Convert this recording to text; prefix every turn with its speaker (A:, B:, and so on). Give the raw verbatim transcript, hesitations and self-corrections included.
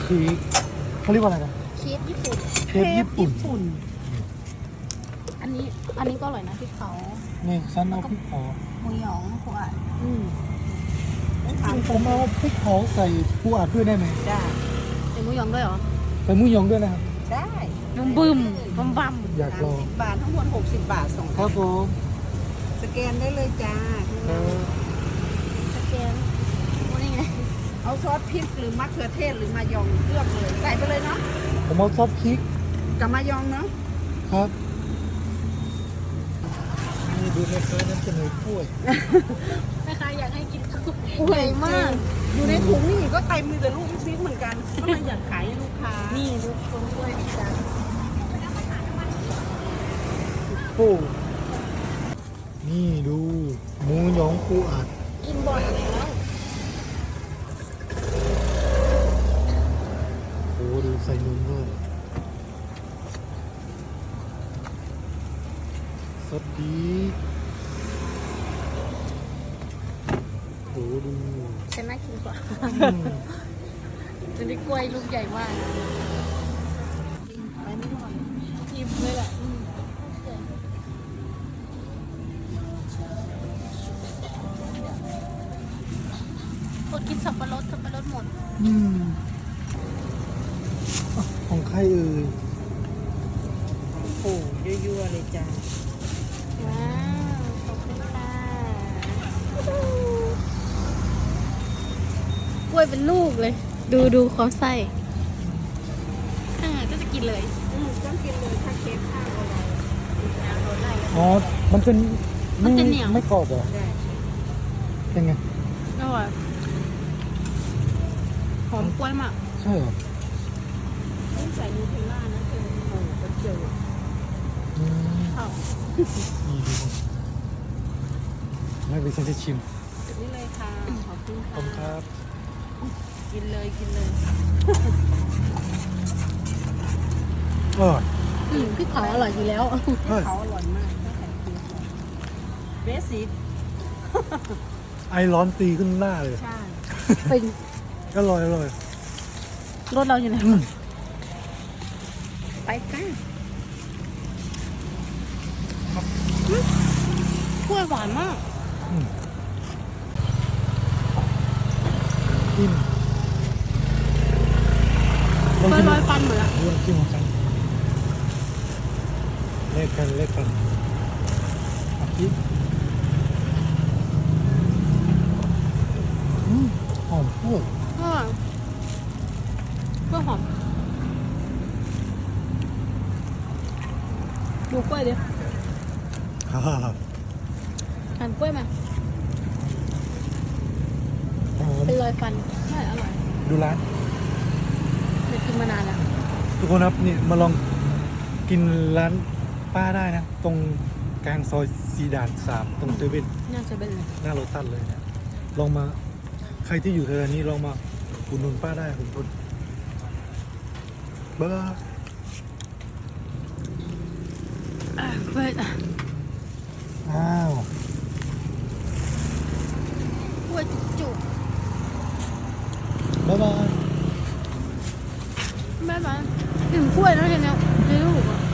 A: ชีสเขาเรียกว่าอะไรนะ
B: ชีสญี่ปุ่น
A: เชฟญี่ปุ่น
B: ปุ่น อันนี้อันนี้ก็อร่อยนะพริกเผา
A: นี่ฉันเอาพริกเผา
B: หมูหยองขวดอืม
A: ผมเอาพริกเผาใส่ปูอัดด้วยได้ไหม
C: ได้
B: ใส่หมูหยองด้วยเหรอ
A: ใส่หมูหยองด้วยนะครับ
C: ได้
B: บึมบึมบัมบัม
A: อยากลอง
C: สิบบาททั้งหมดหกสิบบาทส่ง
A: ครับผม
C: สแกนได้เลยจ้า
A: เออ
B: สแกนโอ้นี่ไง
C: เอาซอสพริกหรือมะเขือเทศหรือมายองเลือกเลยใส่ไปเลยเนาะ
A: ผมเอาซอสพริก
C: กับมายองเนาะ
A: ครับนี่ดูแม่ค้านั้นเสนอกล้วย
B: แม่ค้าอยากให้กินข้าว
C: โอ้ย
B: ใหญ่มาก
C: อยู่ในถุงนี่ก็เต็มมีแต่ลูกพริกเหมือนกันก็เลยอยากขายให้ลูกค้า
B: นี่ดูคนกล้วยจ้า
A: โอ้นี่ดูหมูหยองปูอัด
B: กินบ่อยแล้ว
A: โอ้ดูใส่นมด้วยสวัสดีโอ้ดู
B: ฉันน่ากินกว่า
A: อืม
B: มันได้กล้วยลูกใหญ่มาก
C: ไปไม่หน่อย
B: อิ่มเลยแหละอืมกดกินสับปะรดสับปะรดหมด
A: อืมอ่ะของใครเอ่ย
C: โอ้โหยั่วๆเลยจ้า
B: ว้าวขอบคุณค่ะกล้วยเป็นลูกเลย ดูดูเขาใส่อ่าก็จะกินเลย
C: อืมต้องกินเลยถ้าเค้กข้าวอะไร
A: อ๋อ มันเป็น
B: มันจะเหนียว
A: ไม่กรอบเหรอ
C: ได้
A: เป็นไง
B: อร่อยหอมกล้วยมาก
A: ใช่เหรอ
C: ต้องใส่นูเทลล่านะเธอโอ้โหก็เจอ
A: อืม
B: ข้าว
A: นี่ดูไม่เป็นฉันจะชิม
C: นี่เลยค่ะขอบคุณ
A: ขอบคุณค
C: ค่ะ
A: รับ
C: กินเลยกินเลย
A: เออ
B: อืมพริกเผาอร่อยอยู่แล้ว
A: เฮ้ย
C: เขาอร่อยมากต้องใส่เกลือก่อนเบสิก
A: ไอร้อนตีขึ้นหน้าเลย
C: ใช่
B: เป็น
A: อร่อยอร่อย
B: รถเราอยู่ไหน
A: อืม
C: ไปกัน
B: กล้วยหวานมาก
A: อืมอิ่มลอง
B: ลอย
A: กิน
B: ลอยฟันเหมือนอะ
A: ลองกินของกันเล็กกันเล็กกันอาทิตย์อืมหอมพวก
B: อร่อยกล้วยหอมดูกล้วยดิ
A: ฮ่าฮ่าฮ่า
B: หั่นกล้วยมา
A: หอม
B: เป็นรอยฟันใช่อร่อย
A: ดูร้าน
B: ไม่กินมานานแล้ว
A: ทุกคนครับนี่มาลองกินร้านป้าได้นะ ตรงกลางซอยซีดานสามตรงเซเว่น
B: น่าจะเป็นเลย
A: หน้าโรตัสเลยนะลองมาใครที่อยู่แถวนี้ลองมาอุดหนุนป้าได้คุณคนบ๊ายบาย
B: อ่ะกล้วย
A: อ้าว
B: กล้วยจุก
A: บ๊ายบาย
B: ๆแม่บ้านกินกล้วยแล้วเห็นแล้วในลูกอ่ะ